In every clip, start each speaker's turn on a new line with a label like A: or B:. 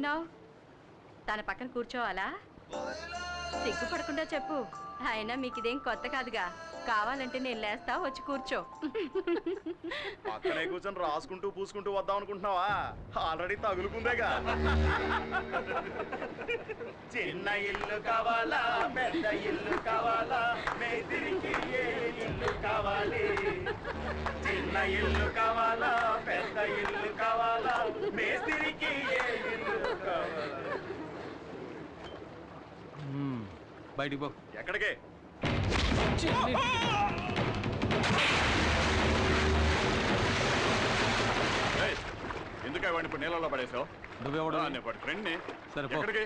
A: చూస్తున్నావు? తన పక్కన కూర్చోవాలా? సిగ్గుపడకుండా చెప్పు. అయినా మీకు ఇదేం కొత్త కాదుగా. కావాలంటే నేను లేస్తా, వచ్చి కూర్చో.
B: అక్కడే కూర్చొని రాసుకుంటూ పూసుకుంటూ వద్దాం అనుకుంటున్నావా? ఆల్రెడీ తగులుకుందేగా. చిన్న ఇల్లు కావాలా, పెద్ద ఇల్లు కావాలా, మేస్త్రికి ఏ ఇల్లు కావాలి? చిన్న ఇల్లు కావాలా, పెద్ద ఇల్లు కావాలా, మేస్త్రికి ఏ ఇల్లు కావాలా?
C: బయటికి పో.
B: ఎక్కడికే? ఎందుకే వాడిని ఇప్పుడు నీళ్ళలో పడేసావు?
C: నువ్వెవడా?
B: ఫ్రెండ్ని.
C: సరే
B: ఎక్కడికి?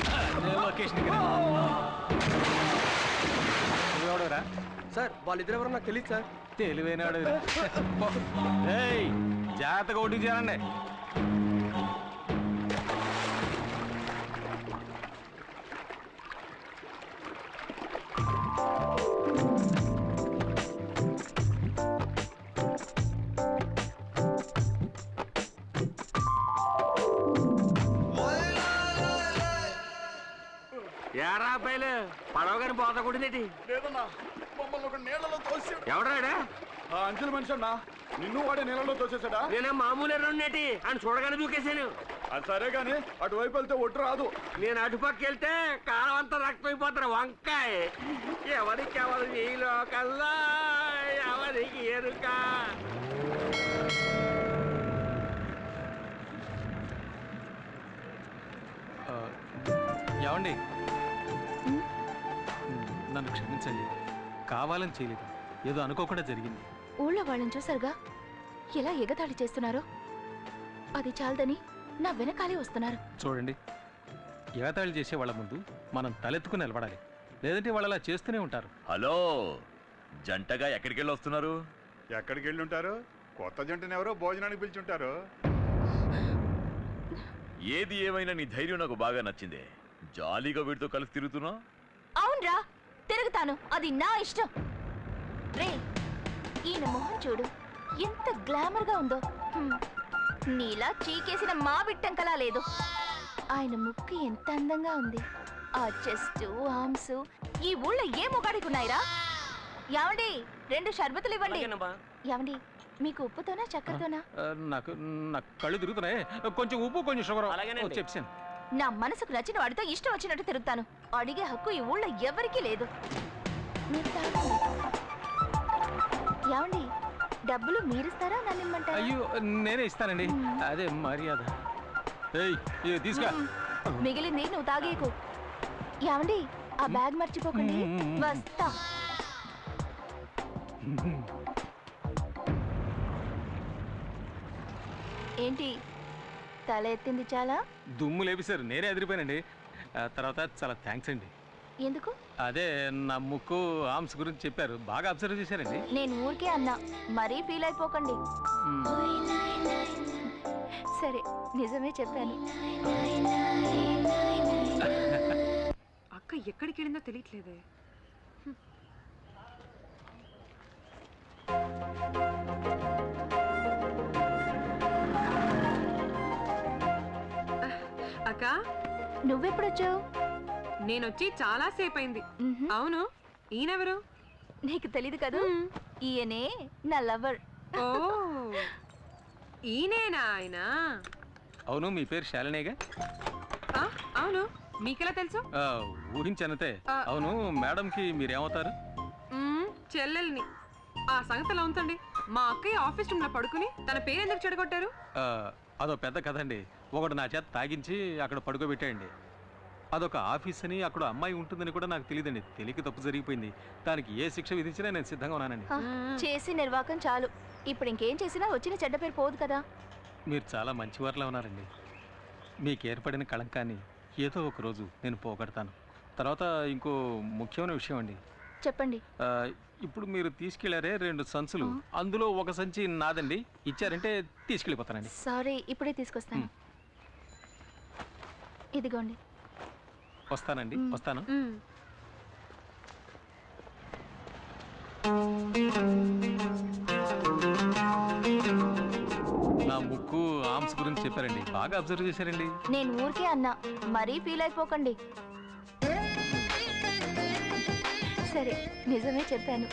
C: నువ్వెవడరా?
D: సార్ వాళ్ళిద్దరు ఎవరో నాకు తెలియదు సార్.
C: తెలివైనాడు. జాగ్రత్తగా ఓటింగ్ చేయాలండి.
D: ఏరా అబ్బాయిలు పడవగాని పోతకూడదేటి?
B: లేదన్నా, మమ్మల్ని ఒక నీళ్ళలో తోసాడు.
D: ఎవడాడా?
B: అంచెల మనిషి అన్నా. నిన్ను వాడే నీళ్ళలో తోసేసాడా?
D: నేనే మామూలు ఎర్రనేటి అని చూడగానే దూకేశాను.
B: అది సరే గాని అటువైపు వెళ్తే ఒట్టు రాదు.
D: నేను అటుపక్క వెళ్తే కాలం అంతా రక్తం అయిపోతారు. వంకాయ ఎవరికి ఎవరు ఈ లోకల్లా ఎవరికి ఎరుక?
C: ఏమండి, నన్ను క్షమించండి. కావాలని చేయలేదు, ఏదో అనుకోకుండా జరిగింది.
E: ఊళ్ళో వాళ్ళని చూసారుగా ఎలా ఎగతాళి చేస్తున్నారో. అది చాలదని నా వెనకాలే వస్తున్నారు.
C: చూడండి, ఎగతాళి చేసే వాళ్ళ ముందు మనం తలెత్తుకుని నిలబడాలి, లేదంటే వాళ్ళు అలా చేస్తూనే ఉంటారు.
F: హలో, జంటగా ఎక్కడికి వెళ్ళి వస్తున్నారు?
B: ఎక్కడికి వెళ్ళి ఉంటారు? కొత్త జంటను ఎవరో భోజనానికి పిలిచుంటారు.
F: ఏది ఏమైనా నీ ధైర్యం నాకు బాగా నచ్చింది. జాలీగా వీడితో కలిసి తిరుగుతున్నా?
E: అవునరా, తిరుగుతాను, అది నా ఇష్టం. రే, ఈయన మొహం చూడు, ఎంత గ్లామర్ గా ఉందో. నీలా చీకేసిన మా బిట్టంకలా లేదు. ఆయన ముక్కు ఎంత అందంగా ఉంది. ఆ చెస్ట్, ఆర్మ్స్ ఈ ఊళ్ళో ఏ మొగాడికున్నాయిరా? యావండి, 2 షర్బతులు ఇవ్వండి. యావండి, మీకు ఉప్పుతోనా చక్కెరతోనా?
C: నాకు కళ్ళు తిరుగుతున్నాయి. కొంచెం ఉప్పు, కొంచెం షుగర్. చెప్పాను.
E: నా మనసుకు నచ్చిన వాడితో ఇష్టం వచ్చినట్టు తిరుగుతాను. అడిగే హక్కు ఈ ఊళ్ళో ఎవరికీ లేదు. మీరు తాగండి. యావండి, డబ్బులు మీరిస్తారా నన్ను ఇమ్మంటారా?
C: అయ్యో, నేనే ఇస్తానండి, అదే మర్యాద. తీసుకా.
E: మిగిలింది నువ్వు తాగేకు. యావండి, ఆ బ్యాగ్ మర్చిపోకండి. వస్తా. ఏంటి తల ఎత్తింది? చాలా
C: దుమ్ము లేపిసారు, నేనే ఎదిరిపోయానండి. తర్వాత చాలా థ్యాంక్స్ అండి.
E: ఎందుకు?
C: అదే నా ముక్కు, ఆర్మ్స్ గురించి చెప్పారు, బాగా అబ్జర్వ్ చేశారండి.
E: నేను ఊరికే అన్నా, మరీ ఫీల్ అయిపోకండి. సరే, నిజమే చెప్పాను.
A: అక్క ఎక్కడికి వెళ్ళిందో తెలియట్లేదే. అక్క,
E: నువ్వెప్పుడొచ్చావు?
A: నేనొచ్చి చాలా సేపు అయింది. అవును, ఈయనెవరు?
E: నీకు తెలీదు కదా, ఈయనే నా లవర్.
A: ఓ, ఈయనేనా ఆయన?
C: అవును, మీ పేరు శాలినేగా?
A: అవును, మీకెలా తెలుసు?
C: ఊహించనతే. అవును, మేడంకి మీరేమవుతారు?
A: చెల్లెల్ని. ఆ సంగతిలో ఉంచండి. మా అక్కయ్య ఆఫీస్ రూమ్ లో పడుకుని తన పేరు ఎందుకు చెడగొట్టారు?
C: అదో పెద్ద కథ అండి. ఒకడు నా చేత తాగించి అక్కడ పడుకోబెట్టాయండి. అదొక ఆఫీస్ అని, అక్కడ అమ్మాయి ఉంటుందని కూడా నాకు తెలియదండి. తెలియక తప్పు జరిగిపోయింది. దానికి ఏ శిక్ష విధించినా నేను సిద్ధంగా ఉన్నానండి.
E: చేసి నిర్వాకం చాలు. ఇప్పుడు ఇంకేం చేసినా వచ్చిన చెడ్డ పేరు పోదు కదా.
C: మీరు చాలా మంచివారిలా ఉన్నారండి. మీకు ఏర్పడిన కళంకాన్ని ఏదో ఒక రోజు నేను పోగొడతాను. తర్వాత ఇంకో ముఖ్యమైన విషయం అండి.
E: చెప్పండి.
C: ఇప్పుడు మీరు తీసుకెళ్లారే 2 సంచులు, అందులో ఒక సంచి నాదండి. ఇచ్చారంటే తీసుకెళ్ళిపోతానండి.
E: సారీ, ఇప్పుడే తీసుకొస్తాను. ఇదిగోండి.
C: వస్తానండి, వస్తాను. నా ముక్కు, ఆర్మ్స్ గురించి చెప్పారండి, బాగా అబ్జర్వ్ చేశారండి.
E: నేను ఊరికే అన్నా, మరీ ఫీల్ అయిపోకండి. సరే, నిజమే చెప్పాను.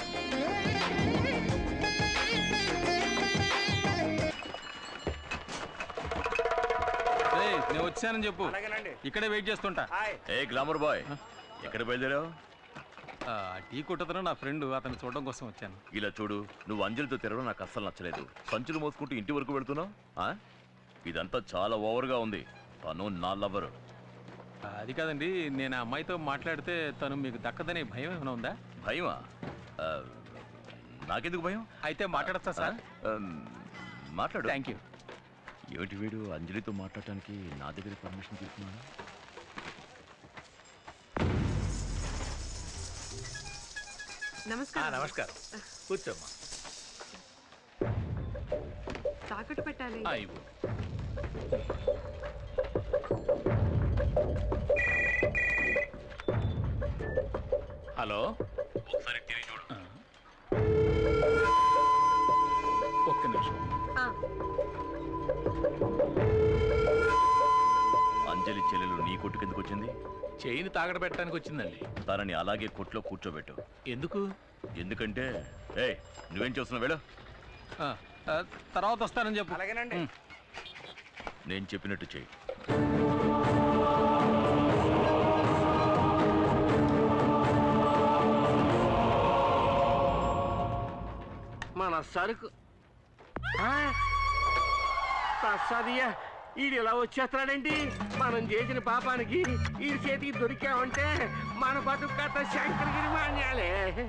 C: నేను వచ్చానని చెప్పు, ఇక్కడే వెయిట్ చేస్తుంటా.
F: ఏ గ్లామర్ బాయ్, ఎక్కడ బయలుదేరావు?
C: టీ కొట్టతను నా ఫ్రెండ్, అతను చూడడం కోసం వచ్చాను.
F: ఇలా చూడు, నువ్వు అంజలితో తిరగడం నాకు అస్సలు నచ్చలేదు. సంచులు మోసుకుంటూ ఇంటి వరకు వెళుతున్నావు. ఇదంతా చాలా ఓవర్గా ఉంది. తను నా లవరు.
C: అది కాదండి, నేను ఆ అమ్మాయితో మాట్లాడితే తను మీకు దక్కదనే భయం ఏమైనా ఉందా?
F: భయమా? నాకెందుకు భయం?
C: అయితే మాట్లాడతా సార్.
F: మాట్లాడు.
C: Thank you.
F: ఏమిటి వీడు అంజలితో మాట్లాడటానికి నా దగ్గర పర్మిషన్ తీసుకున్నాను?
G: నమస్కారం.
H: నమస్కారం, కూర్చోమ్మా.
G: తాకట్టు పెట్టాలి.
H: ఇవ్వు. హలో,
F: ఒకసారి తిరిగి చూడు.
H: ఒక్క నిమిషం.
F: అంజలి చెల్లెలు నీ కొట్టు కిందకు వచ్చింది.
H: చైన్ తాగడ పెట్టడానికి వచ్చిందండి.
F: తనని అలాగే కొట్లో కూర్చోబెట్టు.
H: ఎందుకు?
F: ఎందుకంటే నువ్వేం చేస్తున్నావు? వెళ్ళు.
C: తర్వాత వస్తానని చెప్పు.
D: అలాగేనండి.
F: నేను చెప్పినట్టు చెయ్యి.
D: మన సరుకు సదియా, ఈడు ఇలా వచ్చేస్తున్నాడేంటి? మనం చేసిన పాపానికి ఈ చేతికి దొరికామంటే మన బతుకు కథ శంకరగిరి మాన్యాలే.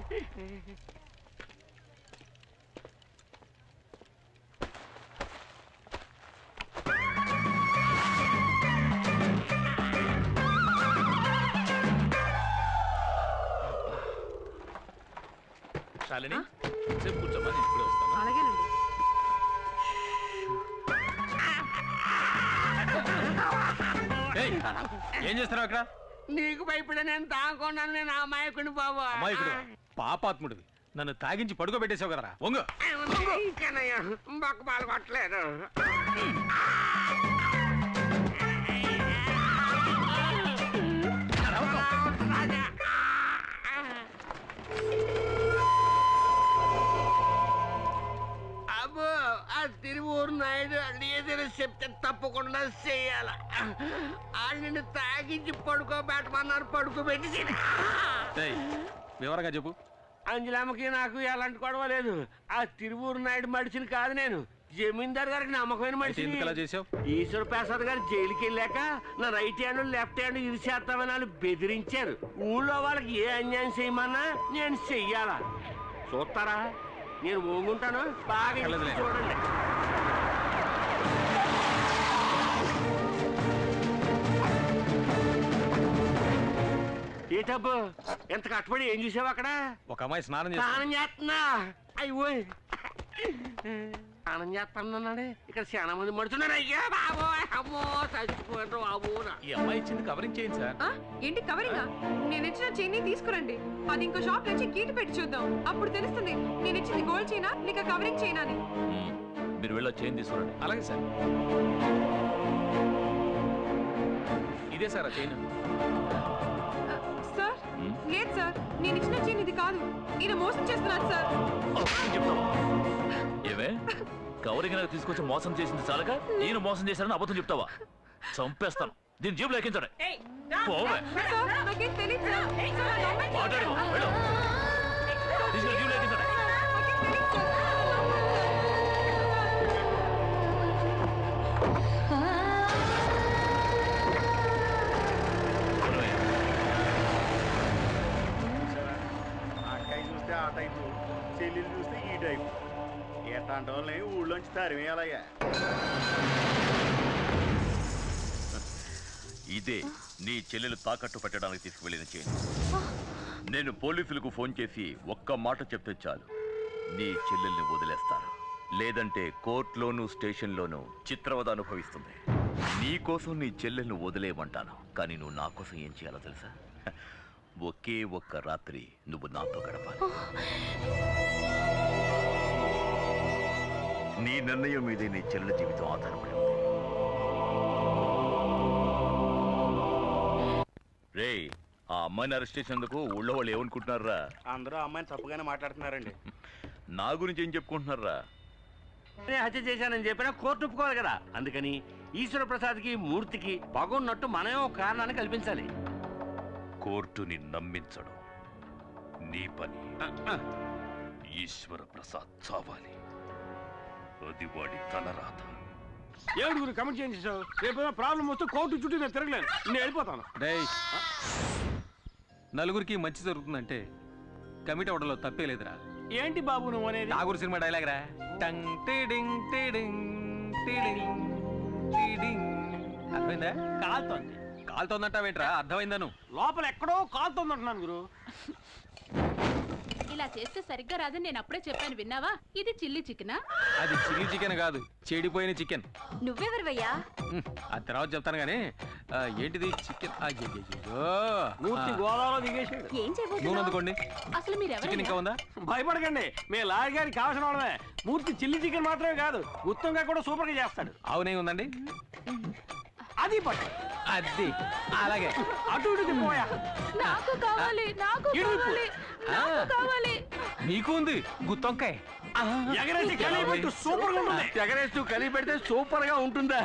H: శాలిని, సేపు కూర్చోమ్మా, నేను ఇప్పుడే వస్తాను.
G: అలాగేనండి.
C: ఏం చేస్తున్నావు అక్కడ?
D: నీకు భయపడే నేను తాగకున్నాను. నేను అమాయకుని బాబు.
C: అమాయకుడు, పాపాత్ముడివి. నన్ను తాగించి పడుకోబెట్టేసావు కదరా. వంగు.
D: బొక్క పాలు కొట్టలేదు. అబ్బో, ఆ తిరువూరు నాయుడు ఏదైనా చెప్తే తప్పకుండా చెయ్యాల. నిన్ను తాగించి పడుకోబెట్టమన్నారు, పడుకోబెట్టి.
C: వివరంగా చెప్పు.
D: అంజలమ్మకి నాకు ఎలాంటి గొడవ లేదు. ఆ తిరువూరు నాయుడు మడిచిని కాదు నేను, జమీందార్ గారికి నమ్మకమైన మనిషిని. ఈశ్వర ప్రసాద్ గారు జైలుకి వెళ్ళాక నా రైట్ హ్యాండ్ లెఫ్ట్ హ్యాండ్ ఇరిచేస్తామని వాళ్ళు బెదిరించారు. ఊళ్ళో వాళ్ళకి ఏ అన్యాయం చేయమన్నా నేను చెయ్యాలా. చూస్తారా? నేను మోగుంటాను, బాగా చూడండి. ఏటబ్బు, ఎంత కష్టపడి ఏం చూసావు అక్కడ?
C: ఒక అమ్మాయి స్నానం
D: చేస్తున్నా. అయ్యో, స్నానం చేస్తానన్నాడే. ఇక్కడ చాలా మంది మడుతున్నారు. అయ్యా బాబో, అమ్మో చచ్చిపోయారు బాబు.
H: ఈ అమ్మాయి ఇచ్చింది కవరింగ్ చేయండి సార్.
G: ఏంటి కవరింగా? నేను ఇచ్చిన చైన్ తీసుకురండి. అది ఇంకో షాప్ నుంచి గీటు పెట్టి చూద్దాం. అప్పుడు తెలుస్తుంది నేను ఇచ్చింది గోల్డ్ చైనా లేక కవరింగ్ చైనా అని.
F: మీరు వెళ్ళి చైన్ తీసుకురండి.
H: అలాగే సార్. ఇదే సార్ ఆ చైన్.
G: సార్ లేదు సార్, నేను ఇచ్చిన చైన్ ఇది కాదు. ఈయన మోసం చేస్తున్నాను సార్.
F: ఏమే, కవరింగ్ తీసుకొచ్చి మోసం చేసింది చాలక నేను మోసం చేశానని అబద్ధం చెప్తావా? చంపేస్తాను. దీని జేబులో ఎక్కించండి. మాట్లాడు, వెళ్ళు. తీసుకెళ్ళి జేబులో ఎక్కించండి.
B: అక్కాయి చూస్తే ఆ టైపు, చెల్లెలు చూస్తే ఈ టైపు. ఎట్లాంటి వాళ్ళని ఊళ్ళోంచి తరిమేయాలయ్యా.
F: ఇదే నీ చెల్లెలు తాకట్టు పెట్టడానికి తీసుకువెళ్ళిన చైన్. నేను పోలీసులకు ఫోన్ చేసి ఒక్క మాట చెప్తే చాలు, నీ చెల్లెల్ని వదిలేస్తాను. లేదంటే కోర్టులోనూ స్టేషన్లోనూ చిత్రవద అనుభవిస్తుంది. నీ కోసం నీ చెల్లెల్ని వదిలేయమంటాను, కానీ నువ్వు నా కోసం ఏం చేయాలో తెలుసా? ఒకే ఒక్క రాత్రి నువ్వు నాతో గడపాలి. నీ నిర్ణయం మీదే నీ చెల్లెల జీవితం ఆధారపడి ఉంది. రే ఆ అమ్మాయిని అరెస్ట్ చేసినందుకు ఊళ్ళో వాళ్ళు ఏమనుకుంటున్నారా?
B: అందరూ అమ్మాయిని తప్పుగానే మాట్లాడుతున్నారండి.
F: నా గురించి ఏం చెప్పుకుంటున్నారా?
D: నేను హత్య చేశానని చెప్పినా కోర్టు ఒప్పుకోవాలి కదా. అందుకని ఈశ్వర ప్రసాద్కి మూర్తికి పగున్నట్టు మనమే ఒక కారణాన్ని కల్పించాలి.
F: కోర్టుని నమ్మించడం నీ పని. ఈశ్వర ప్రసాద్ చావాలి, అది వాడి తలరాత.
D: ఏడుగురు కమెంట్ చేయించావు. రేపు ప్రాబ్లం వస్తే కోర్టు చుట్టూ నేను తిరగలేను, నేను వెళ్ళిపోతాను.
C: నలుగురికి మంచి జరుగుతుందంటే కమిటీ అవడంలో తప్పే లేదురా.
D: ఏంటి బాబు నువ్వు అనేది?
C: ఠాగూర్ సినిమా డైలాగ్ రా. టంగ్ టీడింగ్ టీడింగ్ టీడింగ్ టీడింగ్. అర్థమైందా?
D: కాలుతోంది.
C: కాలుతోందంటావేంట్రా? అర్థమైందా? నువ్వు
D: లోపల ఎక్కడో కాలుతోంది అంటున్నాను గురు.
A: ఇలా చేస్తే సరిగ్గా రాదని నేను అప్పుడే చెప్పాను, విన్నావా? ఇది చిల్లీ చికెనా?
C: అది చిల్లీ చికెన్ కాదు, చెడిపోయిన చికెన్.
A: నువ్వెవరివయ్యా?
C: ఆ తర్వాత చెప్తాను గానీ ఏంటిది చికెన్?
D: మూర్తి గోదావరిలో దిగేసాడు.
A: ఏం
C: నూనె
A: చేయబోతున్నావు?
C: అందుకోండి.
A: అసలు మీరు
C: చికెన్ ఇంకా ఉందా?
D: భయపడకండి, మేము లారీ గారికి కావాల్సిన వాళ్ళమే. మూర్తి చిల్లీ చికెన్ మాత్రమే కాదు, ఉత్తంగా కూడా సూపర్ గా చేస్తాడు.
C: అవునే ఉందండి.
D: అది పట్టు.
C: అది అలాగే
D: అటు ఇటు తిప్పోయా.
A: నాకు కావాలి, నాకు కావాలి, నాకు కావాలి.
C: నీకు ఉంది గుత్తొంకాయ.
D: ఎగరేసి కలిపెట్టు, సూపర్ గా ఉంటుంది. ఎగరేస్తూ కలిపి పెడితే సూపర్ గా ఉంటుందా?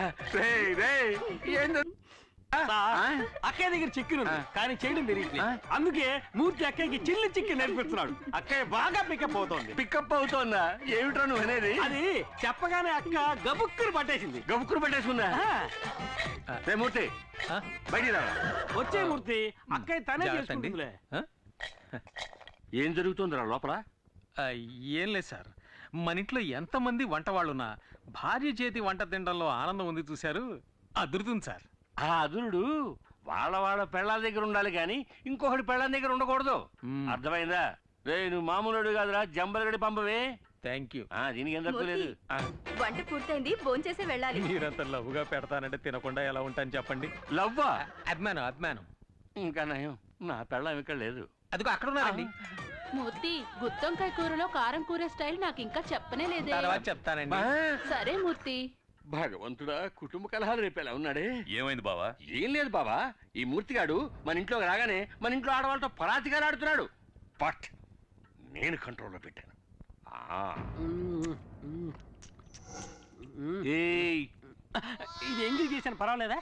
D: అక్కయ్య దగ్గర చికెన్ ఉంది కానీ చేయడం తెలియట్లేదు. అందుకే మూర్తి అక్కయ్యకి చిల్లి చికెన్ నేర్పిస్తున్నాడు. అక్కయ్య బాగా పికప్ అవుతోంది. పికప్ అవుతోందా? ఏమిటో నువ్వు అనేది? అది చెప్పగానే అక్క గబుక్కురు పట్టేసింది. గబుక్కురు పట్టేసుకుందా? మూర్తి బయటికి రా. వచ్చే మూర్తి, అక్కయ్య తనే చేసుకుంటుందిలే. ఏం జరుగుతుందిరా లోపల?
C: ఏం లేదు సార్, మన ఇంట్లో ఎంతమంది వంట వాళ్ళున్నా భార్య చేతి వంట తినడంలో ఆనందం ఉంది చూశారు, అదురుతుంది సార్.
D: ఆ అదురుడు వాళ్ళ పెళ్ళాల దగ్గర ఉండాలి కానీ ఇంకొకటి పెళ్ళాల దగ్గర ఉండకూడదు. అర్థమైందా? రే నువ్వు మామూలుడు కాదురా, జంబలగడి పంపవే.
C: Thank you.
D: దీనికి ఏం తప్పలేదు.
A: వంట పూర్తయింది, భోంచేసి వెళ్ళాలి.
C: మీరంత లవ్వుగా పెడతానంటే తినకుండా ఎలా ఉంటాను చెప్పండి.
D: లవ్వా?
C: అభిమానం అభిమానం.
D: ఇంకా నయం, నా పెళ్ళం ఇక్కడ లేదు.
C: అదిగో అక్కడ ఉన్నారండి.
A: మూర్తి, గుత్తొంకాయ కూరలో కారం కూర స్టైల్ నాకు ఇంకా చెప్పనే లేదే.
C: తర్వాత చెప్తానండి.
A: సరే మూర్తి.
D: భగవంతుడా, కుటుంబ కలహాలు రేపేలా ఉన్నాడే.
F: ఏమైంది బావా?
D: ఏం లేదు బాబా, ఈ మూర్తిగాడు మన ఇంట్లోకి రాగానే మన ఇంట్లో ఆడవాళ్ళతో పరాతిగా ఆడుతున్నాడు. బట్ నేను కంట్రోల్లో పెట్టాను. ఇది ఎంగిల్ చేశాను, పర్వాలేదా?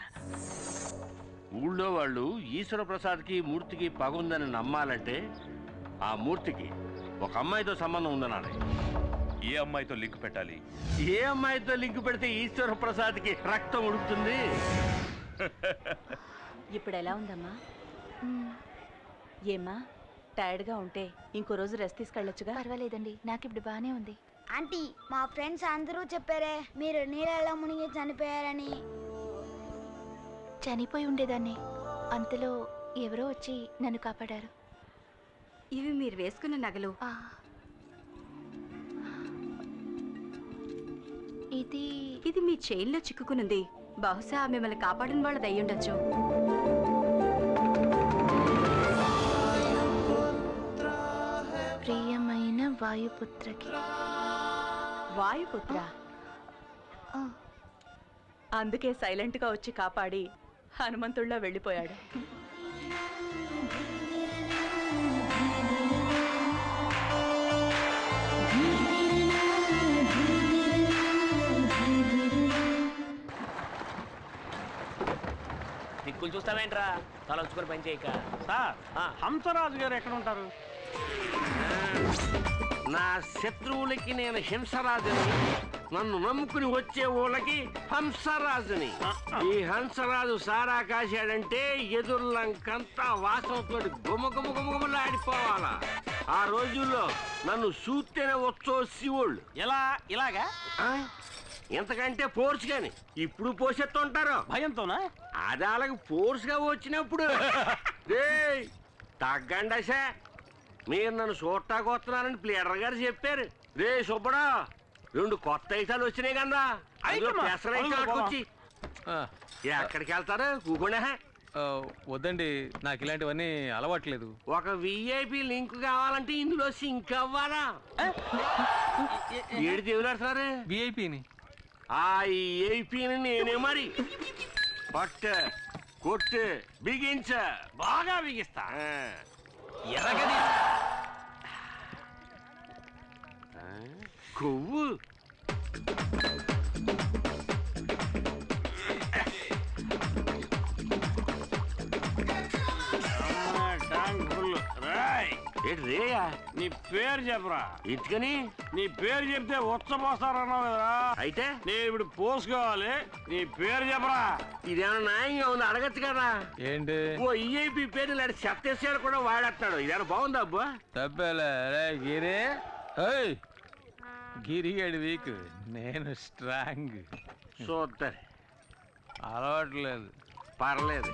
D: ఊళ్ళో వాళ్ళు ఈశ్వర ప్రసాద్కి మూర్తికి పగుందని నమ్మాలంటే ఆ మూర్తికి ఒక అమ్మాయితో సంబంధం ఉందనాలి.
F: ఏ అమ్మాయితో లింక్ పెట్టాలి?
D: ఏ అమ్మాయితో లింక్ పెడితే ఈశ్వర ప్రసాద్కి రక్తం ఉడుకుతుంది?
A: ఇప్పుడు ఎలా ఉందమ్మా? ఏమ్మా, టైర్డ్గా ఉంటే ఇంకో రోజు రెస్ట్ తీసుకెళ్ళొచ్చుగా.
E: పర్వాలేదండి, నాకు ఇప్పుడు బానే ఉంది.
I: ఆంటీ, మా ఫ్రెండ్స్ అందరూ చెప్పారే మీరు నీళ్ళలో మునిగి చనిపోయారని.
E: చనిపోయి ఉండేదాన్ని, అంతలో ఎవరో వచ్చి నన్ను కాపాడారు.
A: ఇవి మీరు వేసుకున్న నగలు. ఇది మీ చైన్లో చిక్కుకునుంది. బహుశా మిమ్మల్ని కాపాడిన వాళ్ళది అయ్యుండొచ్చు.
E: ప్రియమైన వాయుపుత్రకి.
A: వాయుపుత్ర? అందుకే సైలెంట్గా వచ్చి కాపాడి హనుమంతుడిలో వెళ్ళిపోయాడు.
J: దిక్కులు చూస్తావేంట్రా, తలంచుకొని పని చేయక.
D: సార్, హంసరాజు గారు ఎక్కడ ఉంటారు? నా శత్రువులకి నేను హింసరాజుని, నన్ను నమ్ముకుని వచ్చే ఊళ్ళకి హంసరాజుని. ఈ హంసరాజు సారా కాశాడంటే ఎదుర్లంకంతా వాసనతో గుమగుమగుమగుమలాడిపోవాలా. ఆ రోజుల్లో నన్ను చూస్తేనే వచ్చో శివుళ్ళు. ఎలా? ఇలాగా? ఎంతకంటే ఫోర్స్ గాని ఇప్పుడు పోసెత్తుంటారు భయంతోనా? అది అలాగ ఫోర్స్ గా వచ్చినప్పుడు తగ్గండి. మీరు నన్ను చూడటానికి వస్తున్నారని ప్లేడర్ గారు చెప్పారు. రే సుబ్బడా, 2 కొత్త ఐటాలు వచ్చినాయి కదా, వచ్చి ఎక్కడికి వెళ్తారు? కూకుండా
C: వద్దండి, నాకు ఇలాంటివన్నీ అలవాట్లేదు.
D: ఒక విఐపి లింక్ కావాలంటే ఇందులో సింక్ అవ్వాలా? ఏడు దేవులాడుతున్నారు
C: విఐపిని.
D: ఆ ఏపీని నేనే మరి. బట్ కొట్టు బిగించ బాగా బిగిస్తా
H: ఎరగది
D: కొవ్వు రేయా
J: నీ పేరు చెప్పరా
D: ఇటుకని
J: నీ పేరు చెప్తే ఉచ్చపోస్తారన్నావు కదరా
D: అయితే
J: నేను ఇప్పుడు పోసుకోవాలి నీ పేరు చెప్పరా
D: ఇదేమన్నా న్యాయంగా ఉంది అడగచ్చు కదా
C: ఏంటి
D: ఓ ఈఐపి పేరు ఇలాంటి చెత్తేసాడు కూడా వాడేస్తాడు ఇదేమన్నా బాగుందా అబ్బా
C: తప్పేలే రే గిరి ఏయ్ గిరిగాడి వీక్ నేను స్ట్రాంగ్
D: చూస్తారు
C: అలవాట్లేదు
D: పర్లేదు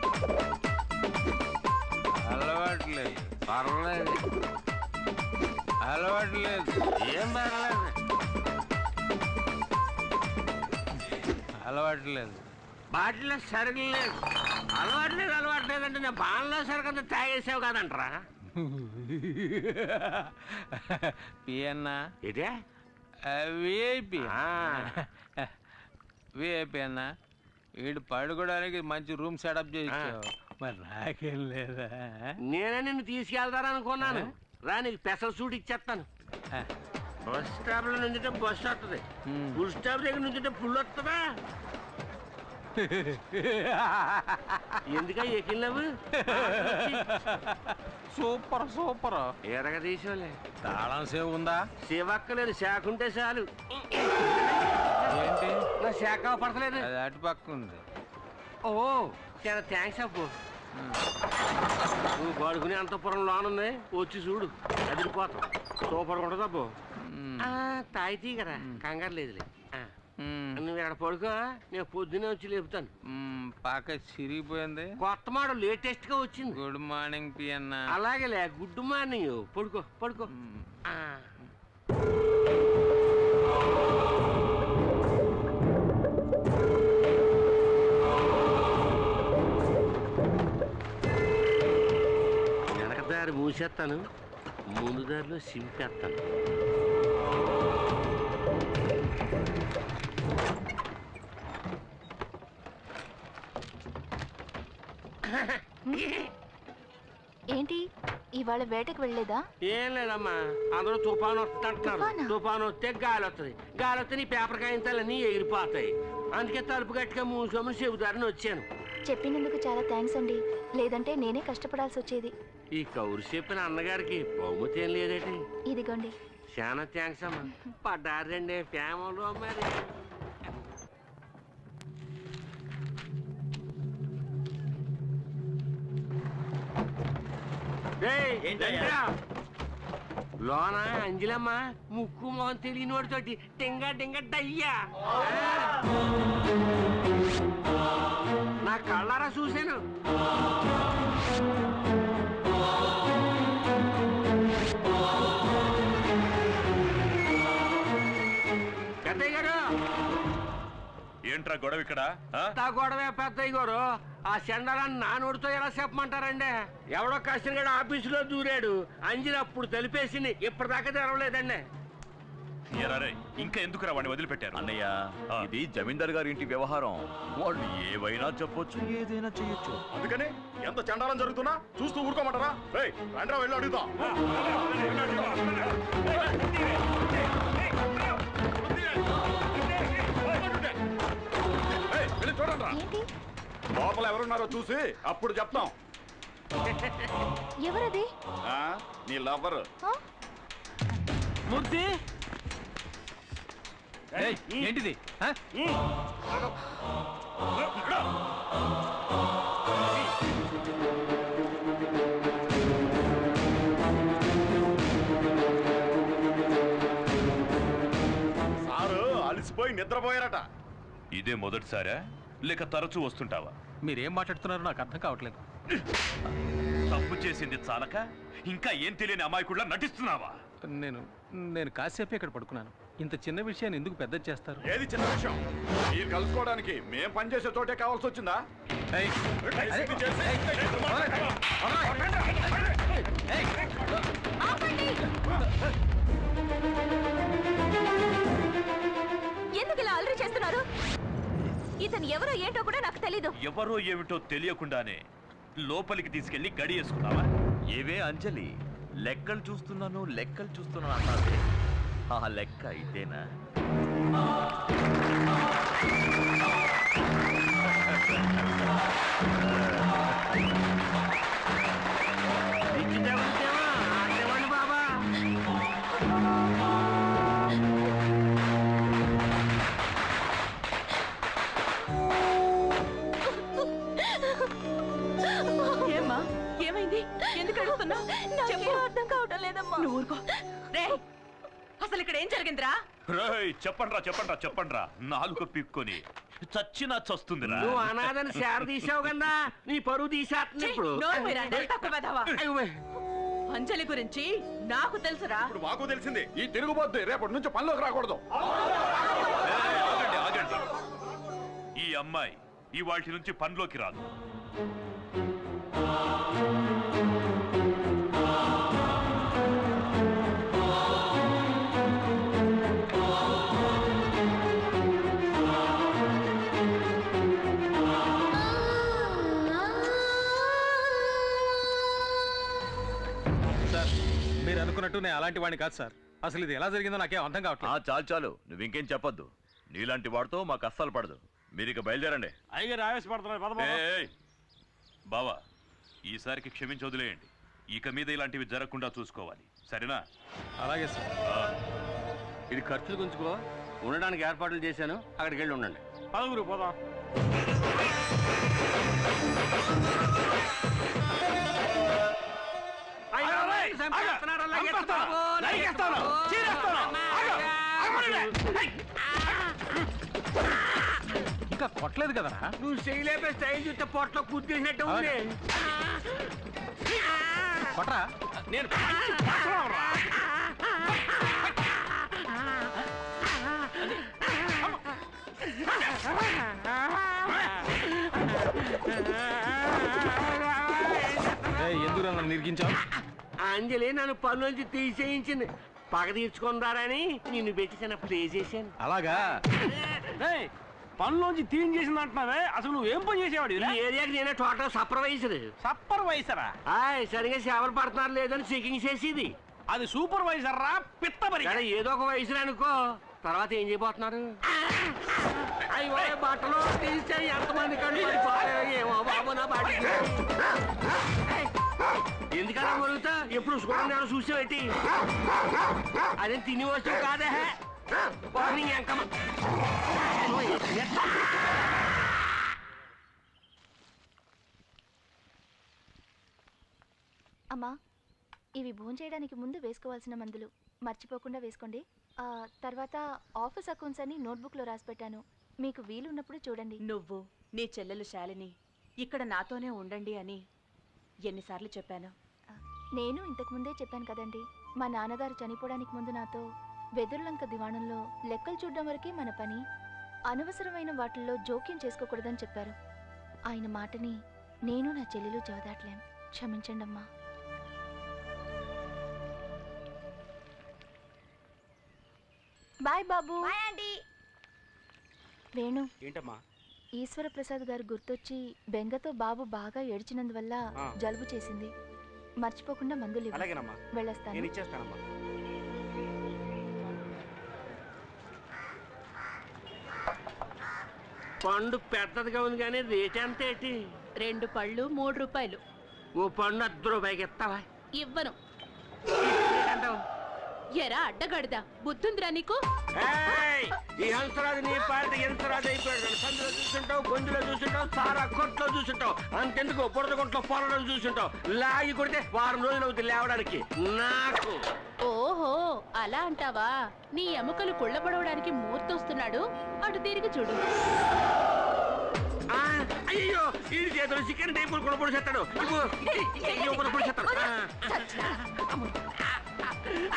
C: అలవాట్లేదు
D: పర్లేదు
C: అలవాట్లేదు
D: ఏం పర్లేదు
C: అలవాట్లేదు
D: బాటిల్లో సరుకులు లేదు అలవాట్లేదు అంటే నేను బాణలో సరుకంతా తాగేసావు కాదంటరా
C: పియన్నా
D: ఇదే
C: విఐపి విఐపి అన్నా వీడు పడుకోవడానికి మంచి రూమ్ సెటప్ చేయించావు మరి నాకేం లేదా
D: నేనే నిన్ను తీసుకెళ్తారనుకున్నాను రా నీకు స్పెషల్ సూట్ ఇచ్చేస్తాను బస్ స్టాప్ లో నుంచుంటే బస్ వస్తుంది ఫుల్ స్టాప్ దగ్గర నుంచుంటే ఫుల్ వస్తుందా ఎందుక ఎక్కినావు
C: సూపర్ సూపర్
D: ఎరగ తీసుకోలే
C: తాళం సేవ్ ఉందా
D: సేవక్కలేదు శాఖ ఉంటే చాలు
C: ఏంటి
D: నా శాఖ పడతలేదు
C: అది అటు పక్క ఉంది
D: ఓ చాలా థ్యాంక్స్ అప్పు నువ్వు పడుకునే అంతపురం లోనుంది వచ్చి చూడు అదిరిపోతాం సూపర్ ఉంటుంది అబ్బు తాయితీ కదా కంగారు లేదులే నువ్వు ఇక్కడ పడుకో నేను పొద్దునే వచ్చి లేపుతాను
C: పాక చిరిగిపోయింది
D: కొత్త మోడల్ లేటెస్ట్ గా వచ్చింది
C: గుడ్ మార్నింగ్ పియన్న
D: అలాగేలే గుడ్ మార్నింగ్ పడుకో పడుకో వెనక దారి మూసేస్తాను ముందు దారిలో సింపేస్తాను
E: ఏంటి ఇవాళ వేటకు వెళ్ళలేదా?
D: ఏం లేదమ్మా అందరూ తుఫాను వస్తుంటారు తుఫాను వస్తే గాలి వస్తుంది గాలి వస్తే నీ పేపర్ కాగితాలన్నీ ఎగిరిపోతాయి అందుకే తలుపు గట్టిగా మూసుకోమని చెబుతారని వచ్చాను
E: చెప్పినందుకు చాలా థ్యాంక్స్ అండి లేదంటే నేనే కష్టపడాల్సి వచ్చేది
D: ఈ కౌరు చెప్పిన అన్నగారికి బహుమతి ఏం లేదేటి
E: ఇదిగోండి
D: చాలా థ్యాంక్స్ అమ్మా పడ్డారండి ఫ్యామిలీలో మరి లోన అంజలమ్మ ముక్కు మొహం తెలియని వాడితోటి టింగ టింగ డయ్యా నా కళ్ళారా చూశాను పెద్దయ్య గారు
F: ఏంట్రా గొడవ ఇక్కడ
D: గొడవే పెద్దయ్య గారు ఆ చెండాలని నా నోటితో ఎలా చెప్పమంటారండి ఎవడో కష్టంగా ఆఫీసులో దూరాడు అంజలి అప్పుడు తెలిపేసింది ఇప్పటిదాకా తెరవలేదండి
F: ఇంకా ఎందుకురా వాడిని వదిలిపెట్టారు అన్నయ్య ఇది జమీందార్ గారి ఇంటి వ్యవహారం వాళ్ళు ఏవైనా చెప్పొచ్చు ఏదైనా చేయొచ్చు
B: అందుకని ఎంత చండాలం జరుగుతున్నా చూస్తూ ఊరుకోమంటారా రండ్రా వెళ్ళి అడుగుతాం చూడండి లోపల ఎవరున్నారో చూసి అప్పుడు చెప్తాం
E: ఎవరది
B: నీ లవ్వర్
C: మూర్తి ఏంటిది
B: సారు అలసిపోయి నిద్రపోయారట
F: ఇదే మొదటిసారా లేక తరచూ వస్తుంటావా
C: మీరేం మాట్లాడుతున్నారో నాకు అర్థం కావట్లేదు
F: తప్పు చేసింది చాలక ఇంకా ఏం తెలియని అమాయకుడిలా నటిస్తున్నావా
C: నేను కాసేపు ఇక్కడ పడుకున్నాను ఇంత చిన్న విషయాన్ని ఎందుకు పెద్ద చేస్తారు
B: ఏది చిన్న విషయం మీరు కలుసుకోవడానికి మేం పనిచేసే చోటే కావాల్సి వచ్చిందా
E: ఎందుకు ఇలా అల్లరి చేస్తున్నారు ఇతను ఎవరో ఏంటో కూడా నాకు తెలీదు.
F: ఎవరో ఏమిటో తెలియకుండానే లోపలికి తీసుకెళ్లి గడి వేసుకున్నావా? ఏవే అంజలి, లెక్కలు చూస్తున్నాను అన్నావే, ఆ లెక్క ఇదేనా?
D: బాబా
A: ఏమ్మా, ఏమైంది? ఎందుకు అడుగుతున్నావు?
E: చెప్పు. అర్థం కావటం లేదమ్మా.
A: నువ్వు ఊరుకో. రేయ్, అసలు ఇక్కడ ఏం జరిగిందిరా?
F: చెప్పండ్రా నాలుగు పిక్కొని చచ్చినా చస్తుందిరా.
D: నువ్వు అనాథని శార తీసావు కదా, నీ పరువు తీసేస్తుంది ఇప్పుడు.
A: అంజలి గురించి నాకు తెలుసురా.
B: మాకు తెలిసింది. ఈ తిరుగుబోద్దు రేపటి నుంచి పనిలోకి రాకూడదు.
F: ఆగండి. ఈ అమ్మాయి ఇవాటి నుంచి పనిలోకి రాదు.
C: మీరు అనుకున్నట్టు నేను అలాంటి వాడిని కాదు సార్. అసలు ఇది ఎలా జరిగిందో నాకేం అర్థం కావట్లేదు.
F: చాలు నువ్వు ఇంకేం చెప్పొద్దు. నీలాంటి వాడితో మాకు అస్సలు పడదు. మీరు ఇక బయలుదేరండి.
J: అయ్యగారు ఆవేశపడుతున్నారు.
F: బావా, ఈసారికి క్షమించి వదిలేయండి. ఇక మీద ఇలాంటివి జరగకుండా చూసుకోవాలి, సరేనా?
C: అలాగే సార్.
D: ఇది ఖర్చులు గుంచుకో, ఉండడానికి ఏర్పాట్లు చేశాను, అక్కడికి వెళ్ళి ఉండండి.
J: పదగురు పోదాం.
C: ఇంకా కొట్టలేదు కదా.
D: నువ్వు చేయలేపే స్టైల్ చూస్తే పొట్టలో కుద్దేసినట్టు ఉంది.
C: కొట్రా.
J: నేను
C: ఎందుకు నన్ను నిర్గించావు?
D: అంజలి నన్ను పనులోంచి తీసేయించింది. పగ తీర్చుకుందారని నిన్ను పెట్టి చిన్న ప్లే చేశాను.
C: అలాగా?
J: పనులోంచి తీన్ చేసింది అంటున్నావే, అసలు నువ్వేం పని చేసేవాడు?
D: ఈ ఏరియాకి నేనే టోటల్ సూపర్వైజర్.
J: సూపర్వైజరా?
D: సరిగా సేవలు పడుతున్నారు లేదని చెకింగ్ చేసేది.
J: అది సూపర్వైజర్ రా, పిత్తబరి.
D: ఏదో ఒక వయసు అనుకో, తర్వాత ఏం చేయబోతున్నారు? అయ్యో బట్టలు తీస్తే ఎంతమంది ఏమో బాబు నా బాడీ. ఎందుకన్నా మొరుగుతా? ఎప్పుడు చూడండి చూసావేటి? అదే తిని వస్తువు కాదే.
E: అమ్మా, ఇవి భోంచేయడానికి ముందు వేసుకోవాల్సిన మందులు మర్చిపోకుండా వేసుకోండి. తర్వాత ఆఫీస్ అకౌంట్స్ అని నోట్బుక్లో రాసి పెట్టాను, మీకు వీలున్నప్పుడు చూడండి.
A: నువ్వు నీ చెల్లెలు శాలిని ఇక్కడ నాతోనే ఉండండి అని ఎన్నిసార్లు చెప్పాను?
E: నేను ఇంతకుముందే చెప్పాను కదండి, మా నాన్నగారు చనిపోవడానికి ముందు నాతో వెదుర్లంక దివాణంలో లెక్కలు చూడడం వరకే మన పని, అనవసరమైన వాటిల్లో జోక్యం చేసుకోకూడదని చెప్పారు. ఆయన మాటని నేను నా చెల్లెలు జవదాట్లేం. క్షమించండి అమ్మా. బాయ్ బాబు. వేణు,
J: ఏంటమ్మా?
E: ఈశ్వర ప్రసాద్ గారు గుర్తొచ్చి బెంగతో బాబు బాగా ఏడ్చినందువల్ల జలుబు చేసింది. మర్చిపోకుండా మందులు ఇవ్వు. వెళ్ళొస్తాను.
D: పండు పెద్దదిగా ఉంది కానీ రేట్ ఎంత ఏంటి?
A: 2 పళ్ళు 3 రూపాయలు.
D: ఓ పండు 10 రూపాయకి ఇస్తావా?
A: ఇవ్వను. ఎరా అడ్డగడదా, బుద్ధుందిరా నీకు?
D: ఈ హంసరాజు నీ పార్టీ హంసరాజు అయిపోయాడు. సందులో చూసుంటావు, గొంతులో చూసుంటావు, సారా కొట్లో చూసుంటావు, అంతెందుకు బురద కొట్లో పొరడం చూసుంటావు. లాగి కొడితే వారం రోజులు అవుతుంది లేవడానికి. నాకు
A: ఓహో అలా అంటావా? నీ ఎముకలు కుళ్ళబడవడానికి మూర్తొస్తున్నాడు, అటు తిరిగి చూడు.
D: అయ్యో ఈ చేతులు చికెన్ టైపులు కొనపడి చేస్తాడు.